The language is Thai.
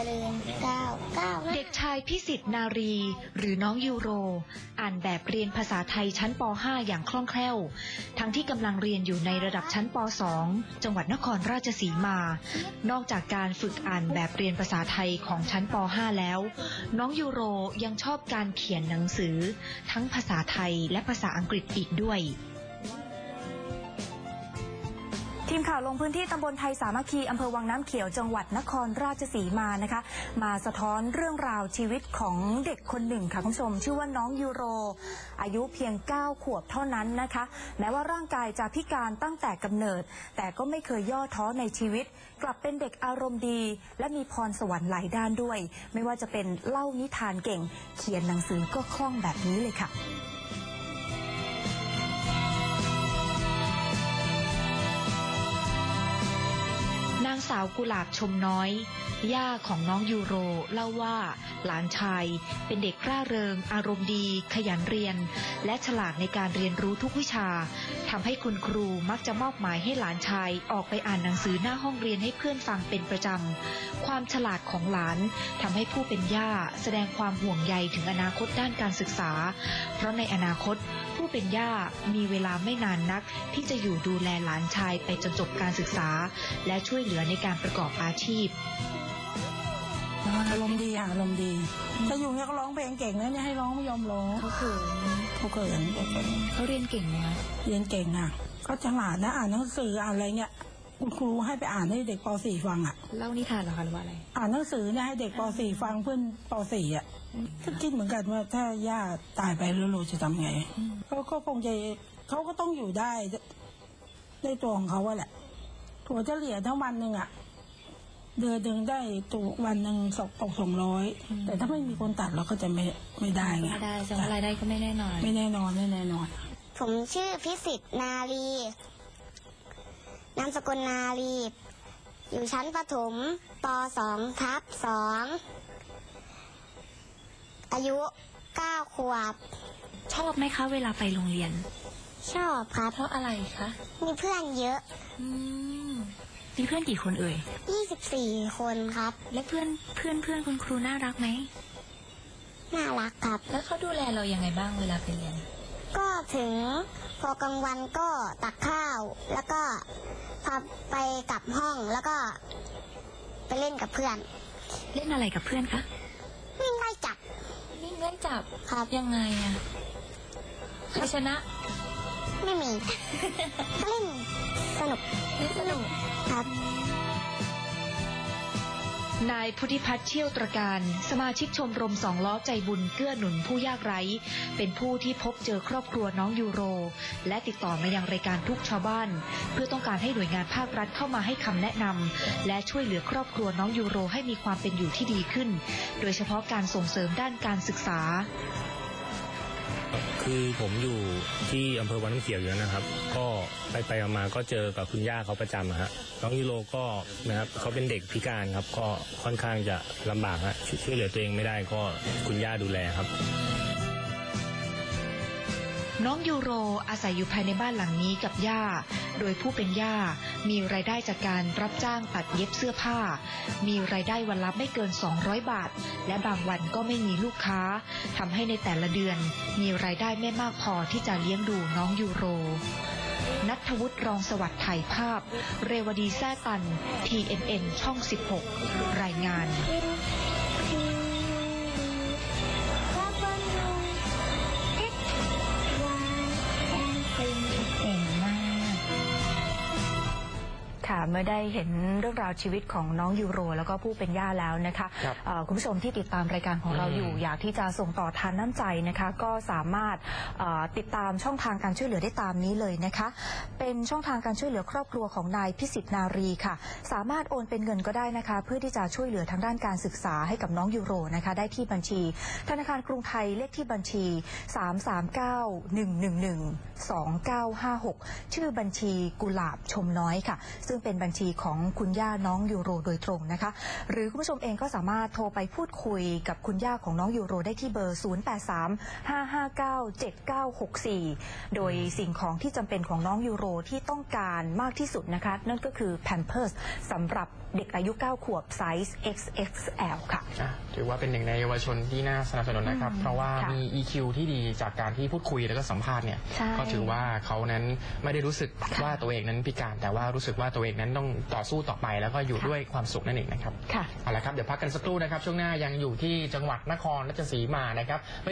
ริญ9 เด็กชายพิสิทธิ์นารีหรือน้องยูโรอ่านแบบเรียนภาษาไทยชั้นป .5 อย่างคล่องแคล่วทั้งที่กำลังเรียนอยู่ในระดับชั้นป .2 จังหวัดนครราชสีมานอกจากการฝึกอ่านแบบเรียนภาษาไทยของชั้นป .5 แล้วน้องยูโรยังชอบการเขียนหนังสือทั้งภาษาไทยและภาษาอังกฤษอีกด้วยทีมข่าวลงพื้นที่ตำบลไทยสามัคคีอำเภอวังน้ำเขียวจังหวัดนครราชสีมานะคะมาสะท้อนเรื่องราวชีวิตของเด็กคนหนึ่งค่ะคุณผู้ชมชื่อว่าน้องยูโรอายุเพียง9 ขวบเท่านั้นนะคะแม้ว่าร่างกายจะพิการตั้งแต่กำเนิดแต่ก็ไม่เคยย่อท้อในชีวิตกลับเป็นเด็กอารมณ์ดีและมีพรสวรรค์หลายด้านด้วยไม่ว่าจะเป็นเล่านิทานเก่งเขียนหนังสือก็คล่องแบบนี้เลยค่ะนางสาวกุหลาบชมน้อยย่าของน้องยูโรเล่าว่าหลานชายเป็นเด็กร่าเริงอารมณ์ดีขยันเรียนและฉลาดในการเรียนรู้ทุกวิชาทำให้คุณครูมักจะมอบหมายให้หลานชายออกไปอ่านหนังสือหน้าห้องเรียนให้เพื่อนฟังเป็นประจำความฉลาดของหลานทำให้ผู้เป็นย่าแสดงความห่วงใยถึงอนาคตด้านการศึกษาเพราะในอนาคตผู้เป็นย่ามีเวลาไม่นานนักที่จะอยู่ดูแลหลานชายไปจนจบการศึกษาและช่วยเหลือในการประกอบอาชีพอารมณ์ดีอารมณ์ดีถ้าอยู่เนี่ยก็ร้องเพลงเก่งนะเนี่ยให้ร้องไม่ยอมร้องเขาเขินเขาเรียนเก่งไหมคะเรียนเก่งอ่ะก็ฉลาดนะอ่านหนังสืออ่านอะไรเนี่ยคุณครูให้ไปอ่านให้เด็กป .4 ฟังอ่ะเล่านิทานเหรอคะหรือว่าอะไรอ่านหนังสือเนี่ยให้เด็กป .4 ฟังเพื่อนป .4 อ่ะก็คิดเหมือนกันว่าถ้าย่าตายไปแล้วเราจะทำไงเขาก็คงจะเขาก็ต้องอยู่ได้ในตัวของเขาแหละถั่วเฉลี่ยทั้งวันหนึ่งอ่ะเดือนหนึ่งได้ตัววันหนึ่ง200แต่ถ้าไม่มีคนตัดเราก็จะไม่ได้ไงไม่ได้จะรายได้ก็ไม่แน่นอนผมชื่อพิสิทธิ์นารีนามสกุลนารีอยู่ชั้นประถมป .2/2 อายุ9 ขวบชอบไหมคะเวลาไปโรงเรียนชอบครับเพราะอะไรคะมีเพื่อนเยอะมีเพื่อนกี่คนเอ่ย 24 คนครับและเพื่อนคุณครูน่ารักไหมน่ารักครับแล้วเขาดูแลเรายังไงบ้างเวลาไปเรียนก็ถึงพอกลางวันก็ตักข้าวแล้วก็พาไปกลับห้องแล้วก็ไปเล่นกับเพื่อนเล่นอะไรกับเพื่อนคะวิ่งไล่จับครับยังไงอะใครชนะไม่มีก็เล่นสนุกครับนายพุทธิพัฒน์เชี่ยวตระการสมาชิกชมรมสองล้อใจบุญเกื้อหนุนผู้ยากไร้เป็นผู้ที่พบเจอครอบครัวน้องยูโรและติดต่อมายังรายการทุกชาวบ้านเพื่อต้องการให้หน่วยงานภาครัฐเข้ามาให้คำแนะนำและช่วยเหลือครอบครัวน้องยูโรให้มีความเป็นอยู่ที่ดีขึ้นโดยเฉพาะการส่งเสริมด้านการศึกษาคือผมอยู่ที่อำเภอวังน้ำเขียวอยู่นะครับก็ไปมาก็เจอกับคุณย่าเขาประจำฮะน้องยูโรก็นะครับเขาเป็นเด็กพิการครับก็ค่อนข้างจะลำบากฮะช่วยเหลือตัวเองไม่ได้ก็คุณย่าดูแลครับน้องยูโรอาศัยอยู่ภายในบ้านหลังนี้กับย่าโดยผู้เป็นย่ามีรายได้จากการรับจ้างตัดเย็บเสื้อผ้ามีรายได้วันละไม่เกิน200 บาทและบางวันก็ไม่มีลูกค้าทำให้ในแต่ละเดือนมีรายได้ไม่มากพอที่จะเลี้ยงดูน้องยูโรณัฐวุฒิรองสวัสดิ์ถ่ายภาพเรวดีแซ่ตัน TNN ช่อง 16 รายงานเมื่อได้เห็นเรื่องราวชีวิตของน้องยูโรแล้วก็ผู้เป็นย่าแล้วนะคะคุณผู้ชมที่ติดตามรายการของเราอยู่อยากที่จะส่งต่อทานน้ำใจนะคะก็สามารถติดตามช่องทางการช่วยเหลือได้ตามนี้เลยนะคะเป็นช่องทางการช่วยเหลือครอบครัวของนายพิสิทธิ์นารีค่ะสามารถโอนเป็นเงินก็ได้นะคะเพื่อที่จะช่วยเหลือทางด้านการศึกษาให้กับน้องยูโรนะคะได้ที่บัญชีธนาคารกรุงไทยเลขที่บัญชี339-111-2956ชื่อบัญชีกุหลาบชมน้อยค่ะซึ่งเป็นเป็นบัญชีของคุณย่าน้องยูโรโดยตรงนะคะหรือคุณผู้ชมเองก็สามารถโทรไปพูดคุยกับคุณย่าของน้องยูโรได้ที่เบอร์ 0835597964 โดยสิ่งของที่จำเป็นของน้องยูโรที่ต้องการมากที่สุดนะคะนั่นก็คือ Pampers สำหรับเด็กอายุ 9 ขวบไซส์ XXL ค่ะถือว่าเป็นหนึ่งในเยาวชนที่น่าสนับสนุนนะครับเพราะว่ามี EQ ที่ดีจากการที่พูดคุยแล้วก็สัมภาษณ์เนี่ยก็ถือว่าเขานั้นไม่ได้รู้สึกว่าตัวเองนั้นพิการแต่ว่ารู้สึกว่าตัวเองนั้นต้องต่อสู้ต่อไปแล้วก็อยู่ด้วยความสุขนั่นเองนะครับเอาละครับเดี๋ยวพักกันสักครู่นะครับช่วงหน้ายังอยู่ที่จังหวัดนครราชสีมานะครับ